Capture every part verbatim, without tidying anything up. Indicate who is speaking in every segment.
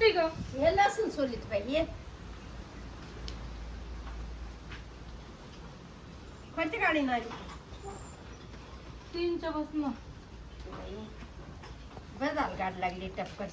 Speaker 1: बसते का?
Speaker 2: हे लसूण सोलीत बाई ये कोणती गाडी नाही
Speaker 1: तीनच्या बसनं
Speaker 2: बस झालं गाडी लागली टपकन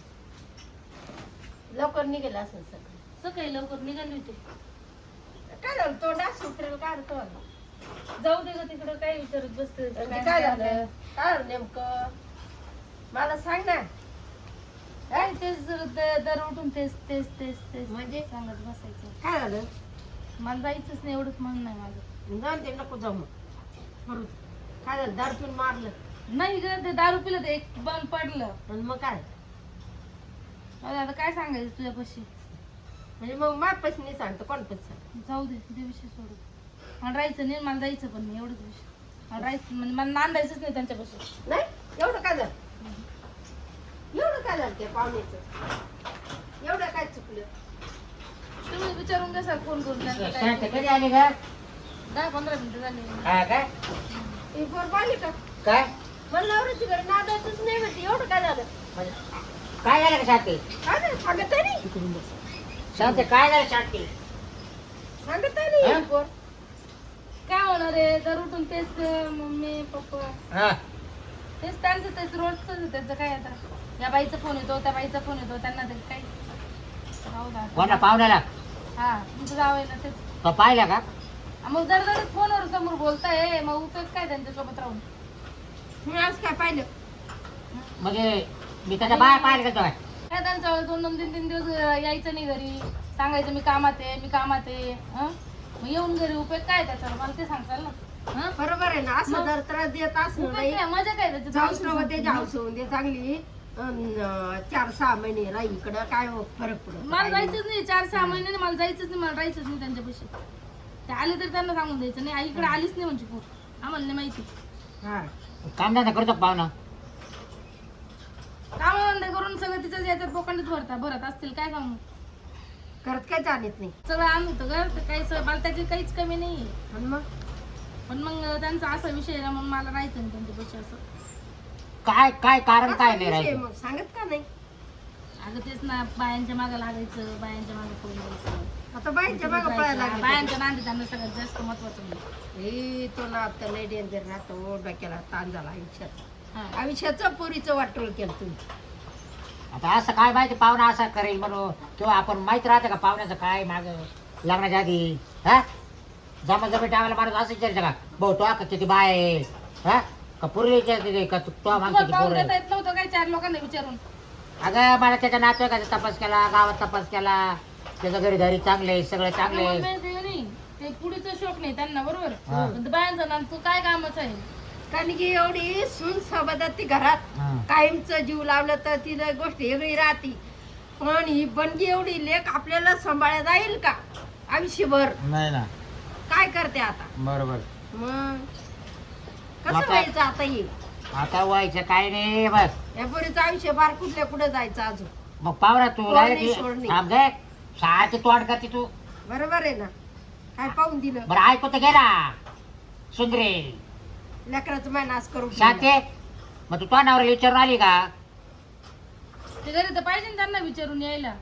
Speaker 2: लवकर निघेल असं सगळं
Speaker 1: सकाळी लवकर निघाली होती.
Speaker 2: काय झालं तो डास उतरेल काढतो
Speaker 1: जाऊ दे ग तिकडं काय विचारत बसते.
Speaker 2: काय झालं काय झालं नेमकं मला सांग ना
Speaker 1: काय तेच द- दर उठून तेच तेच तेच तेच
Speaker 2: म्हणजे?
Speaker 1: सांगत बसायचं.
Speaker 2: काय झालं
Speaker 1: मला जायचंच नाही एवढंच म्हणणं आहे माझं.
Speaker 2: जाऊन ते नको जाऊ मग बरोबर काय झालं दारू पिऊन मारलं
Speaker 1: नाही ग ते दारू पिलं ते एक बंद पडलं.
Speaker 2: आणि मग काय
Speaker 1: अरे आता काय सांगायचं तुझ्यापाशी.
Speaker 2: म्हणजे मग मापच नाही सांगतो कोण पण सांग
Speaker 1: जाऊ दे ते विषय सोडू. मला राहायचं नाही मला जायचं पण नाही एवढंच विषय. मला राहायचं म्हणजे मला नांदायचंच नाही त्यांच्यापाशी.
Speaker 2: नाही एवढं काय झालं एवढं काय झालं त्या पाहुण्याचं एवढं काय चुकलं
Speaker 1: तुम्ही विचारून घ्या सर फोन करून त्यांचं काय
Speaker 3: शांत
Speaker 1: ते.
Speaker 3: कधी आली का
Speaker 1: दहा पंधरा मिनिटं झाली.
Speaker 3: हा काय
Speaker 2: ती पोर पाहिली का
Speaker 3: काय
Speaker 2: मला नवऱ्याची घरी नादायचंच नाही म्हणते एवढं काय झालं
Speaker 3: म्हणजे काय झालं का शांती
Speaker 2: काय झालं सांगत नाही
Speaker 3: शांती काय झालं शांती
Speaker 2: सांगत नाही
Speaker 3: हा?
Speaker 2: ही पोर
Speaker 1: काय होणार आहे दर उठून तेच ग, मम्मी पप्पा
Speaker 3: हा
Speaker 1: तेच त्यांचं तेच रोजच त्याचं काय आता या बाईचा फोन येतो त्या बाईचा फोन येतो त्यांना ते काय राहू द्या.
Speaker 3: कोणा पाहुण्याला
Speaker 1: हा तुमचं जाव आहे ना तेच
Speaker 3: तो पाहिला का
Speaker 1: आ, मग दर दर फोनवर समोर बोलताय मग उपयोग काय त्यांच्यासोबत राहून.
Speaker 2: मी आज काय पाहिलं
Speaker 3: म्हणजे मी त्याच्या बाहेर पाहिलं का तो
Speaker 1: काय त्यांचं दोन दोन तीन तीन दिवस यायचं नाही घरी सांगायचं मी कामात आहे मी कामात आहे हं? मग येऊन घरी उपयोग काय त्याचा मला ते सांगताल ना. हं?
Speaker 2: बरोबर आहे ना असं
Speaker 1: मग?
Speaker 2: जर त्रास देत असं
Speaker 1: उपयोग
Speaker 2: नाही
Speaker 1: काय मजा काय त्याच्यात?
Speaker 2: जाऊच नको त्याची हाऊस होऊन दे चांगली अन, चार सहा महिने राही इकडं काय फरक पडत
Speaker 1: मला जायचंच नाही चार सहा महिन्याने मला जायचंच नाही मला राहायचंच नाही त्यांच्यापाशी. ते आले तर त्यांना सांगून द्यायचं नाही आईकडे आलीच नाही म्हणजे पोर आम्हाला नाही माहिती.
Speaker 2: हा
Speaker 3: काम धंदा करतो का पाहुणा
Speaker 1: कामधंदे करून सगळं तिच्याच याच्यात बोकांडीत भरता भरत असतील काय सांगू.
Speaker 2: करत काय जाणत नाही
Speaker 1: सगळं आणलं होतं घर तर काही स- मला त्याची काहीच कमी नाही.
Speaker 2: आणि मग
Speaker 1: पण मग त्यांचा असा विषय आहे ना मग मला राहायचं नाही त्यांच्यापाशी असं.
Speaker 3: काय काय कारण काय
Speaker 2: असा
Speaker 3: नाही
Speaker 2: विषय
Speaker 3: राहायचं
Speaker 2: मग सांगत का नाही
Speaker 1: अगं तेच ना बायांच्या मागं लागायचं बायांच्या मागं पळून जायचं.
Speaker 2: आता बाईच्या मागं पळायला लागली
Speaker 1: बायांच्या नांदी त्यांना सगळ्यात जास्त महत्वाचं म्हणजे.
Speaker 2: हे तो ना आता लय डेंजर राहतो डोक्याला ताण झाला आयुष्यात
Speaker 1: हा.
Speaker 2: आयुष्याचं पोरीचं वाटोळ केलं तुम्ही
Speaker 3: आता असं काय माहिती पाहुणा असा करेल म्हणून किंवा आपण माहित राहतं का पाहुण्याचं काय माग लग्नाच्या आधी हा जमा जमी टाकायला माणूस असं विचारायचं का भाऊ तो का किती बाय आहे? हा का पुरली विचारते का तू तो मागते
Speaker 1: तुम्हाला पाहून
Speaker 3: पोर
Speaker 1: देता येत नव्हतं काय चार लोकांना विचारून.
Speaker 3: अगं मला त्याच्या नातेवाईकाचा तपास केला गावात तपास केला त्याच्या घरी घरी चांगले सगळं चांगले
Speaker 1: मग मी ते नाही ते पुढीचा शोक नाही त्यांना बरोबर
Speaker 3: हा.
Speaker 1: पण ते बायांचा ना तू काय कामच आहे.
Speaker 2: कारण की एवढी सून सोबत ती घरात
Speaker 3: हा.
Speaker 2: कायमचं जीव लावलं तर तिला गोष्ट वेगळी राहते पण ही बनगी एवढी लेख आपल्याला सांभाळल्या जाईल का आयुष्यभर
Speaker 3: नाही ना
Speaker 2: काय करते आता
Speaker 3: बरोबर
Speaker 2: मग कसं
Speaker 3: आता-
Speaker 2: व्हायचं आता येईल
Speaker 3: आता व्हायचं काय नाही बस
Speaker 2: या पोरीचं आयुष्य बार कुठल्या कुठं जायचं अजून
Speaker 3: मग पाहुणा तू
Speaker 2: कोण
Speaker 3: राहिली
Speaker 2: नाही,
Speaker 3: ती-
Speaker 2: सोड नाही.
Speaker 3: थांब गे शाळेची तोंड करते तू
Speaker 2: बरोबर आहे ना काय पाहून दिलं
Speaker 3: बरं ऐकू तर घे ना सुंदरे
Speaker 2: लेकराचं माय नाश करून
Speaker 3: शांते मग तू तो नवऱ्याला विचारून आली का
Speaker 1: ते घरी तर पाहिजे ना त्यांना विचारून यायला.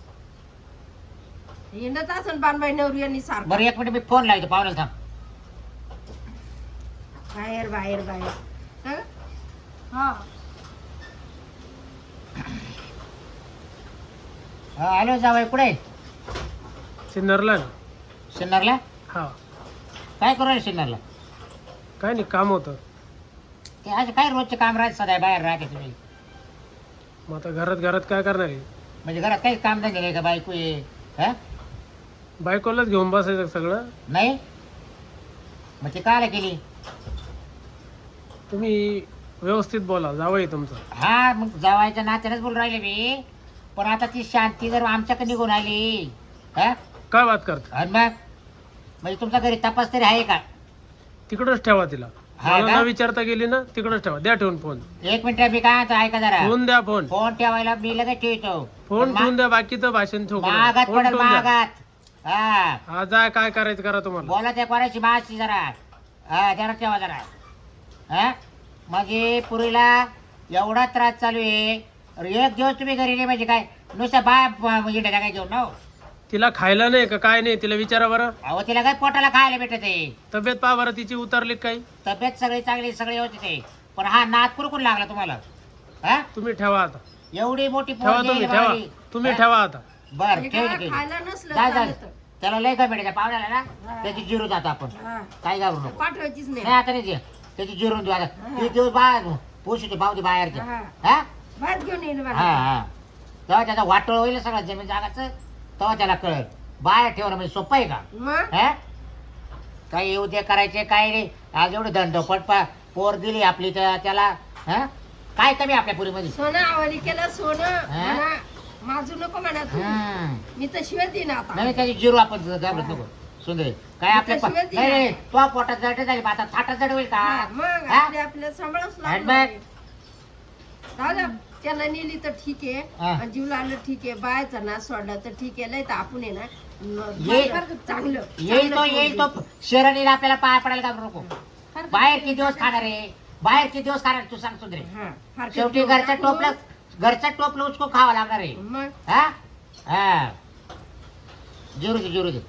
Speaker 2: हिंडत असेल बानबाई नवरी यांनी सारखं
Speaker 3: बरं एक मिनिट मी फोन लावतो पाहुण्याला थांब
Speaker 2: बाहेर बाहेर बाहेर हं?
Speaker 1: हा
Speaker 3: हा, हॅलो जावई कुठे
Speaker 4: सिन्नरला ना
Speaker 3: सिन्नरला
Speaker 4: हा
Speaker 3: काय करू राहिले सिन्नरला
Speaker 4: काय नाही काम होतं
Speaker 3: ते आज काय रोजचे काम राहत सध्या बाहेर राहते तुम्ही
Speaker 4: मग आता घरात घरात काय करणार आहे
Speaker 3: म्हणजे घरात काही काम धंदे नाही का बायको ये हा
Speaker 4: बायकोलाच घेऊन बसायचं सगळं
Speaker 3: नाही मग ते कायला केली
Speaker 4: तुम्ही व्यवस्थित बोला जावं तुमचं
Speaker 3: हा मग जावायच्या नात्यानेच बोलून राहिले मी पण आता ती शांती जर आमच्याकडे निघून आली हा
Speaker 4: काय बात करता
Speaker 3: आणि मग म्हणजे तुमच्या घरी तपास तरी आहे का
Speaker 4: तिकडच ठेवा तिला
Speaker 3: हा
Speaker 4: मला
Speaker 3: का?
Speaker 4: न विचारता गेली ना तिकडच ठेवा द्या ठेवून फोन
Speaker 3: एक मिनिट मी काय म्हणतो ऐका जरा
Speaker 4: ठेवून द्या फोन
Speaker 3: फोन ठेवायला मी लगेच ठेवतो
Speaker 4: फोन ठेवून द्या बाकीचं भाषण ठेवू नका.
Speaker 3: मागात
Speaker 4: फोन
Speaker 3: पडेल
Speaker 4: ठेवून द्या
Speaker 3: मागात हा
Speaker 4: हा जा काय करायचं करा तुम्हाला
Speaker 3: बोला त्या कोणाची माशी जरा हा जरा ठेवा जरा हा म्हणजे पुरीला एवढा त्रास चालू आहे अरे एक दिवस तुम्ही घरी नाही म्हणजे काय नुसतं बाय इंडा काय घेऊन ना हो.
Speaker 4: तिला खायला नाही का काय नाही तिला विचारा बरं.
Speaker 3: अहो तिला काय पोटाला खायला भेटत आहे.
Speaker 4: तब्येत पहा बरं तिची उतरली का काही.
Speaker 3: तब्येत सगळी चांगली सगळी होती ते पण हा नाद कुरकुर लागला तुम्हाला हा
Speaker 4: तुम्ही ठेवा आता.
Speaker 3: एवढी मोठी
Speaker 4: ठेवा
Speaker 3: पोरगी
Speaker 4: तुम्ही
Speaker 3: आहे
Speaker 4: ठेवा
Speaker 3: बाई.
Speaker 4: तुम्ही
Speaker 3: हा?
Speaker 4: ठेवा आता.
Speaker 3: बर
Speaker 2: हे
Speaker 3: ठेव
Speaker 2: काय
Speaker 3: ठेव.
Speaker 2: खायला नसलं
Speaker 3: जा जा
Speaker 2: चालतं.
Speaker 3: त्याला लय काय भेटायच्या पाहुण्याला ना
Speaker 2: हा.
Speaker 3: त्याची जिरू जातो आपण
Speaker 2: हा.
Speaker 3: काय घालू नको
Speaker 2: पाठवायचीच
Speaker 3: नाही
Speaker 2: नाही
Speaker 3: आता नाही दे. त्याची जिरून देऊ आता
Speaker 2: हा.
Speaker 3: किती दिवस बाहेर पोषित पावती बाहेरच्या
Speaker 2: हा.
Speaker 3: हा
Speaker 2: भात घेऊन येईल
Speaker 3: हा
Speaker 2: बघा.
Speaker 3: हा तेव्हा त्याचा वाटोळ होईल सगळं जमीन जागाचं तेव्हा त्याला कळेल बाहेर ठेवणं म्हणजे सोपं आहे का
Speaker 2: मग
Speaker 3: हा काही येऊ दे करायचे काय नाही आज एवढं दंडपट पा पोर दिली आपली तर त्याला हा काय कमी आपल्या पुरीमध्ये
Speaker 2: सोनं आवडी केलं सोनं
Speaker 3: हा?
Speaker 2: म्हणा माझू नको म्हणा तू
Speaker 3: हम्म.
Speaker 2: मी तर शिवाय देईन आता
Speaker 3: नाही त्याची जिरू आपण घाबरत नको सुंदर काय आपल्या
Speaker 2: त्याशिवाय
Speaker 3: नाही
Speaker 2: ती
Speaker 3: नाही तो पोटात जड झाली आता थाटात जड होईल का
Speaker 2: हा, मग
Speaker 3: हा?
Speaker 2: आपल्या आपल्या सांभाळच
Speaker 3: आणि
Speaker 2: लागणार
Speaker 3: मग?
Speaker 2: दादा त्याला नेली तर ठीक आहे
Speaker 3: हा.
Speaker 2: आणि जीव लागलं ठीक आहे बायचा नाच सोडला तर ठीक आहे लय तर आपण आहे ना
Speaker 3: ये-
Speaker 2: चांगलं
Speaker 3: येईल तो
Speaker 2: चांगलं
Speaker 3: येईल तो
Speaker 2: पोरगी.
Speaker 3: शरणीला आपल्याला पाय पडायला घाबरू नको
Speaker 1: फार-
Speaker 3: बाहेर किती दिवस खाणार आहे बाहेर किती दिवस खाणार तू सांग सुंदरे
Speaker 2: हा, फार
Speaker 3: शेवटी
Speaker 2: काही
Speaker 3: घरचं
Speaker 2: नको.
Speaker 3: टोपलं घरचं टोपलं उचको खावं लागणार आहे
Speaker 2: मग
Speaker 3: हा हा जिरू दे जिरू दे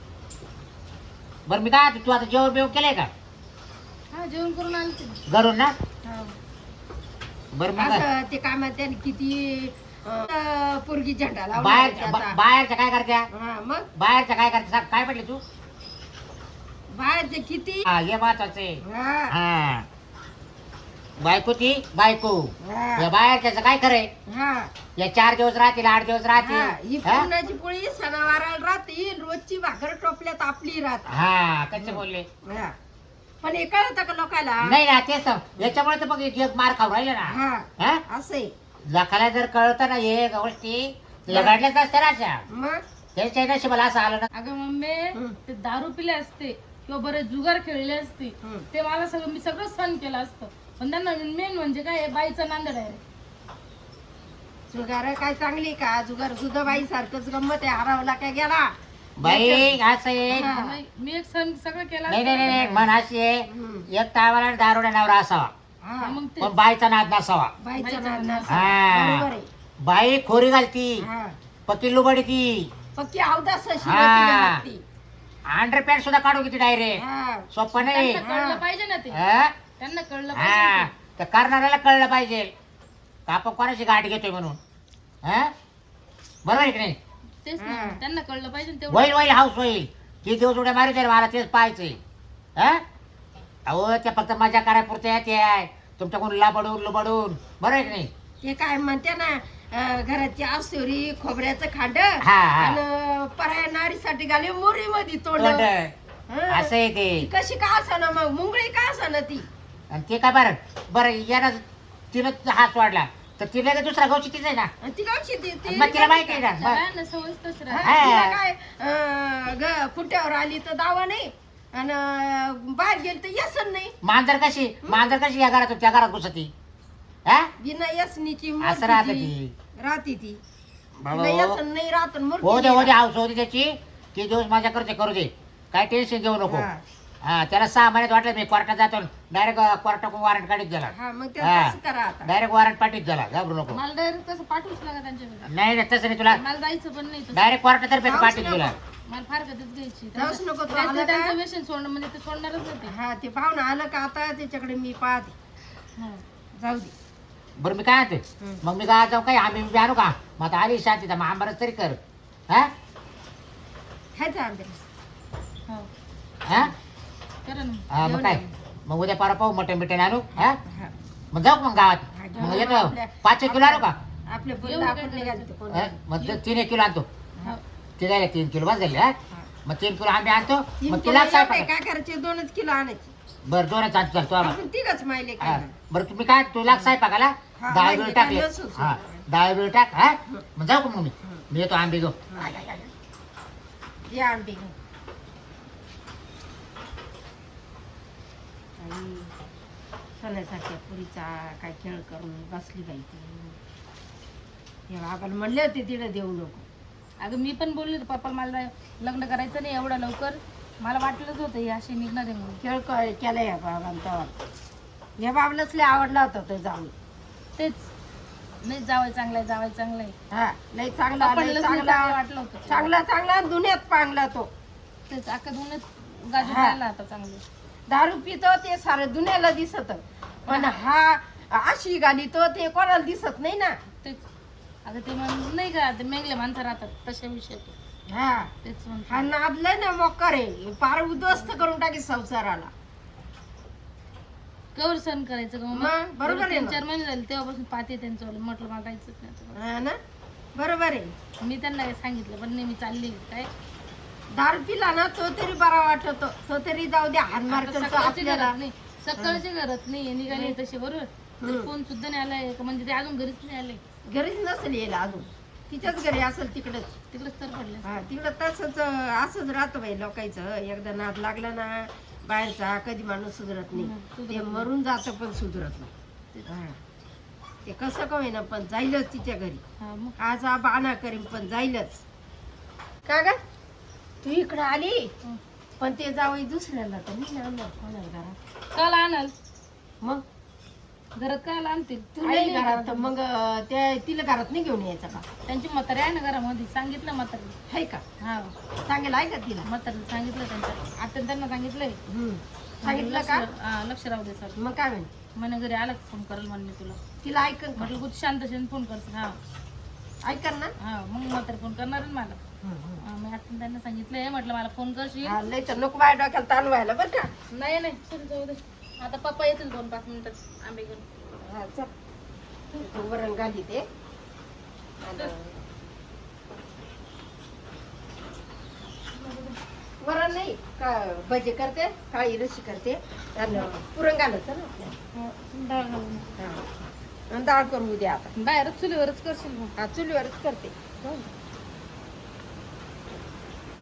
Speaker 3: बरं मी काय तू आता जेवण बिवण केलंय का
Speaker 1: हा जेवण करून आलते ना.
Speaker 3: घरून ना
Speaker 1: हा.
Speaker 3: बरं मग
Speaker 2: असं ते काय म्हणते आणि किती अं, पोरगी झेंडा लावला
Speaker 3: बाहेर
Speaker 2: त्याचा.
Speaker 3: बा- बाहेरच्या काय करत्या
Speaker 2: हा, मग
Speaker 3: बाहेरच्या काय करते सांग काय म्हटली तू
Speaker 2: बाहेरचे किती
Speaker 3: हा हे महत्वाचे
Speaker 2: हा,
Speaker 3: हा बायको ती बायको
Speaker 2: हा,
Speaker 3: या बाहेरच्याचं काय खरंय
Speaker 2: हा,
Speaker 3: या चार दिवस राहतील आठ दिवस
Speaker 2: हा. ही
Speaker 3: राहतील हा?
Speaker 2: पुरणाची पोळी सणावाराला राहते रोजची भाकर टोपल्यात आपली राहते
Speaker 3: हा कसे बोलले
Speaker 2: हा. पण हे कळतं का लोकांना
Speaker 3: नाही ना तेच तर. याच्यामुळे तर मग जग मार खाऊ राहिले ना
Speaker 2: हा
Speaker 3: हा
Speaker 2: असंय
Speaker 3: लखाला जर कळत ना हे गोष्टी लगाडल्याच असते ना अशा
Speaker 2: मग
Speaker 3: त्यांच्या नशिबाला असं आलं ना
Speaker 1: अगं मम्मी
Speaker 2: हं.
Speaker 1: ते दारू पिले असते किंवा बरे जुगार खेळले असते
Speaker 2: हं.
Speaker 1: ते मला सगळं मी सगळं सहन केलं असतं पण त्यांना मेन म्हणजे काय बाईचा नांदड आहे
Speaker 2: जुगार काय चांगली का जुगार सुद्धा बाई सारखंच गंमत आहे हरवला काय गेला
Speaker 3: बाई असं आहे
Speaker 2: हा.
Speaker 1: नाही, मी एक सहन सगळं केलं
Speaker 3: नाही नाही नाही नाही, मन अशी आहे
Speaker 2: हं.
Speaker 3: एक टायमाला दारोडा नवरा असावा
Speaker 2: हा,
Speaker 1: मग ते
Speaker 3: पण बाईचा नाद नसावा
Speaker 2: बाईचं
Speaker 1: बाईचं
Speaker 2: नाद
Speaker 1: नाद.
Speaker 2: नसतं.
Speaker 3: हा.
Speaker 2: बरोबर आहे
Speaker 3: बाई खोरी घालती
Speaker 2: हा.
Speaker 3: पक्की लुबडी ती
Speaker 2: पक्की अवदास अशी
Speaker 3: हा.
Speaker 2: होती ना ती.
Speaker 3: अंडर पॅन्ट सुद्धा काढू किती डायरेक्ट
Speaker 2: हा.
Speaker 3: सोपं नाही
Speaker 1: त्यांना कळलं पाहिजे ना ते
Speaker 3: हा?
Speaker 1: त्यांना कळलं
Speaker 3: हा
Speaker 1: पाहिजे
Speaker 3: तर करणाऱ्याला कळलं पाहिजे का आपण कोणाची गाठ घेतोय म्हणून हा बरोबर आहे की नाही
Speaker 1: तेच
Speaker 2: हा.
Speaker 1: ना त्यांना कळलं पाहिजे ना तेवढं
Speaker 3: होईल होईल हाऊस होईल किती दिवस उड्या मारित मला तेच पाहायचंय हा अहो त्या फक्त मजा करायपुरत्या ते आहे तुमच्याकडून लबडून लुबडून बरोबर आहे की नाही
Speaker 2: ते काय म्हणते ना अं, घराची आसोरी खोबऱ्याचं खांड
Speaker 3: हा, हा.
Speaker 2: आणि पराया नारीसाठी घाली मोरी मध्ये तोंड
Speaker 3: तोंड
Speaker 2: हा.
Speaker 3: असं आहे ते
Speaker 2: ती कशी का असाना मग मुंगळी का असाना ती
Speaker 3: आणि ते काय बरं बरं यानं तिनं हात वाढला तर तिला काय दुसरा गावची तीच आहे ना
Speaker 2: आणि ती कशी ती ती
Speaker 3: मग तिला माहिती आहे ना
Speaker 1: त्या
Speaker 3: बरं.
Speaker 1: बायांना सवयच तसं
Speaker 2: हा,
Speaker 1: राहते.
Speaker 2: तिला काय अं, ग- खुट्ट्यावर आली तर दावा नाही आणि बाहेर गेली तर यसन नाही
Speaker 3: मांजर कशी मांजर कशी या घरातून त्या घरात घुसती हा
Speaker 2: बिना यसनीची
Speaker 3: असं राहत
Speaker 2: मूर्तीची
Speaker 3: ती
Speaker 2: राहती ती
Speaker 3: बाबा,
Speaker 2: बिना यसन नाही राहत आणि मूर्ती
Speaker 3: हो दे
Speaker 2: नाही
Speaker 3: हो दे
Speaker 2: राहत.
Speaker 3: हाऊस हो दे त्याची किती दिवस माझ्या करते करू दे काय टेन्शन घेऊ नको
Speaker 2: हा.
Speaker 3: हा त्याला सहा महिन्यात वाटलं मी कोर्टात जातो डायरेक्ट कोर्टाकडून वॉरंट काढीत गेला
Speaker 2: हा मग ते
Speaker 3: हा.
Speaker 2: तसं करा आता
Speaker 3: डायरेक्ट वॉरंट पाठीत झाला घाबरू नको
Speaker 1: मला डायरेक्ट तसं पाठवूच लागा त्यांच्याकडे
Speaker 3: नाही नाही तसं नाही तुला
Speaker 1: मला जायचं पण नाही तसं.
Speaker 3: डायरेक्ट कोर्टातर्फे
Speaker 2: जाऊच
Speaker 3: पाठीत
Speaker 2: नको.
Speaker 3: गेला
Speaker 1: मला फार कधीच घ्यायची
Speaker 2: जाऊच नको तो
Speaker 1: त्यांचं
Speaker 2: आला का?
Speaker 1: त्यांचं व्यसन सोडणं म्हणजे ते सोडणारच होते
Speaker 2: हा ते पाहुणं आलं का आता त्याच्याकडे मी पाहते जाऊ दे
Speaker 3: बरं मी काय आणते
Speaker 2: हम्म.
Speaker 3: मग मी काय जाऊ काय आम्ही बी आणू का मग आता आली शांती मग आंबारच तरी कर हा
Speaker 2: खायचा आंबेरस
Speaker 1: हो
Speaker 3: हा
Speaker 1: करा ना
Speaker 3: हा, मग
Speaker 2: घेऊन
Speaker 3: काय
Speaker 2: ये.
Speaker 3: मग उद्या पारा पाहू मटण बिटण आणू हा
Speaker 2: हा.
Speaker 3: मग जाऊ का मग गावात
Speaker 2: हा, घेऊन
Speaker 3: मग
Speaker 2: ये.
Speaker 3: येतो
Speaker 2: आपल्या-
Speaker 3: पाच एक किलो आणू का
Speaker 2: आपल्या
Speaker 1: एवढं
Speaker 2: पोरीला
Speaker 1: काय
Speaker 2: आपण नाही
Speaker 1: करायचं?
Speaker 2: घालतो कोण.
Speaker 3: हा? मग ते तीन एक किलो आणतो
Speaker 1: हो.
Speaker 3: ते जायला तीन किलो बस झाले हा
Speaker 2: हा.
Speaker 3: मग तीन किलो आंबे आणतो
Speaker 2: तीन
Speaker 3: मग
Speaker 2: किलो
Speaker 3: तिला काय
Speaker 2: एवढे काय करायचे दोनच किलो आणायचे
Speaker 3: बरं दोनच आणतो चालतो आम्हाला
Speaker 2: आपण तिघच माहिले
Speaker 3: हा.
Speaker 2: काय
Speaker 3: बरं तुम्ही काय तुला स्वयंपाकाला
Speaker 2: हा,
Speaker 3: डाळ
Speaker 2: माहिती
Speaker 3: बिळ
Speaker 2: आहे,
Speaker 3: टाकले
Speaker 2: काय लसूण
Speaker 3: हा
Speaker 2: सोडलं.
Speaker 3: डाळ बिळ टाक हा मग जाऊ का मग मी
Speaker 2: हं.
Speaker 3: मी येतो आंबे घेऊ
Speaker 2: या आंबे घेऊन आई, सोन्यासारख्या पुरीचा काय खेळ करून बसली बाई ती हे बाबाला म्हणले होते तिला देऊ नको
Speaker 1: अगं मी पण बोलली होती पप्पा मला लग्न करायचं नाही एवढं लवकर मला वाटलंच होतं ही अशी निघणार आहे म्हणून
Speaker 2: खेळ क- केला या बाबाला तेव्हा या बाबालाच लय आवडला होता तो जाऊन
Speaker 1: तेच नाही जावाय चांगलाय जावाय चांगलाय
Speaker 2: हा लय चांगला
Speaker 1: आपण
Speaker 2: लय
Speaker 1: लग्न चांगलं
Speaker 2: चांगला
Speaker 1: वाटलं होतं
Speaker 2: चांगला चांगला दुनियात पांगला तो
Speaker 1: तेच अख्खा धुण्यात गाजून
Speaker 2: हा.
Speaker 1: राहिला आता चांगलं
Speaker 2: दारू पितो ते सारं दुनियाला दिसत पण हा अशी गाली तो ते कोणाला दिसत नाही ना.
Speaker 1: तेच आता ते म्हण नाही का ते मेंगले माणसं राहतात तशा विषय तो.
Speaker 2: हा
Speaker 1: तेच म्हणतो.
Speaker 2: हा नादलाय ना मोक्कर आहे पार उद्ध्वस्त करून टाकी संसाराला.
Speaker 1: कवर सण करायचं का मग?
Speaker 2: मग, बरोबर आहे
Speaker 1: तीन
Speaker 2: ना.
Speaker 1: चार महिने झाले तेव्हापासून पाहते त्यांचं म्हटलं मला जायचंच नाही आता.
Speaker 2: हा ना बरोबर आहे.
Speaker 1: मी त्यांना काही सांगितलं पण नाही मी चालली काय
Speaker 2: दारू पिला ना तो तरी बरा वाटतो तो तरी जाऊ द्या हानमार
Speaker 1: आता
Speaker 2: करतो
Speaker 1: सकाळची
Speaker 2: आपल्याला.
Speaker 1: घरात नाही सकाळची घरात नाही निघाले तसे बरोबर
Speaker 2: हम्म.
Speaker 1: फोन सुद्धा नाही आलाय का म्हणजे ते अजून घरीच नाही आले
Speaker 2: घरीच नसेल यायला अजून तिच्याच घरी असेल तिकडच.
Speaker 1: तिकडेच तर पडले
Speaker 2: हा तिकडं तसंच असंच राहतं बाई लोकांचं. एकदा नाद लागला ना बाहेरचा कधी माणूस सुधरत
Speaker 1: हम्म,
Speaker 2: नाही.
Speaker 1: सुधरत
Speaker 2: ते
Speaker 1: नाही.
Speaker 2: मरून जातं पण सुधरत नाही. हा. ते कसं का होईना पण जाईलच तिच्या घरी.
Speaker 1: हा मग
Speaker 2: आज हा बाणा करीन पण जाईलच. का ग तू इकडं आली
Speaker 1: हं.
Speaker 2: पण ते जावई दुसऱ्याला तर मी आणणार कोणाला घरात.
Speaker 1: काल आणाल
Speaker 2: मग
Speaker 1: घरात काय आणतील
Speaker 2: तू नाही घरात तर मग अं, त्या तिला घरात नाही घेऊन यायचं का?
Speaker 1: त्यांची म्हातारी आहे ना घरामध्ये सांगितलं म्हातारी
Speaker 2: आहे का?
Speaker 1: हा
Speaker 2: सांगेल आहे का तिला?
Speaker 1: म्हातारी सांगितलं त्यांच्या आता त्यांना सांगितलंय
Speaker 2: हम्म. सांगितलं का?
Speaker 1: लक्ष- हा, लक्ष राहू दे सर
Speaker 2: मग काय म्हणे
Speaker 1: म्हणे घरी आला फोन करेल म्हणे मी तुला
Speaker 2: तिला ऐकन का?
Speaker 1: म्हटलं कुठे शांत शांत फोन करते हा
Speaker 2: ऐकन ना.
Speaker 1: हा मग म्हातारी फोन करणार ना मला हा, मी आता त्यांना सांगितलंय म्हटलं मला फोन करशील
Speaker 2: हा, लय तर नको माझ्या डोक्याला ताण व्हायला बरं का.
Speaker 1: नाही नाही चल जाऊ दे आता पप्पा येतील दोन पाच मिनिटात आंबे घेऊन
Speaker 2: हा, चल. तू वरण घाली ते आणि वरण नाही का भजे करते काळी रशी करते आणि पुरण घालायचं ना आपल्याला.
Speaker 1: हा, डाळ घालून.
Speaker 2: हा. आणि डाळ करू द्या आता.
Speaker 1: बाहेरच चुलीवरच करशील मग
Speaker 2: हा चुलीवरच करते. जाऊ दे.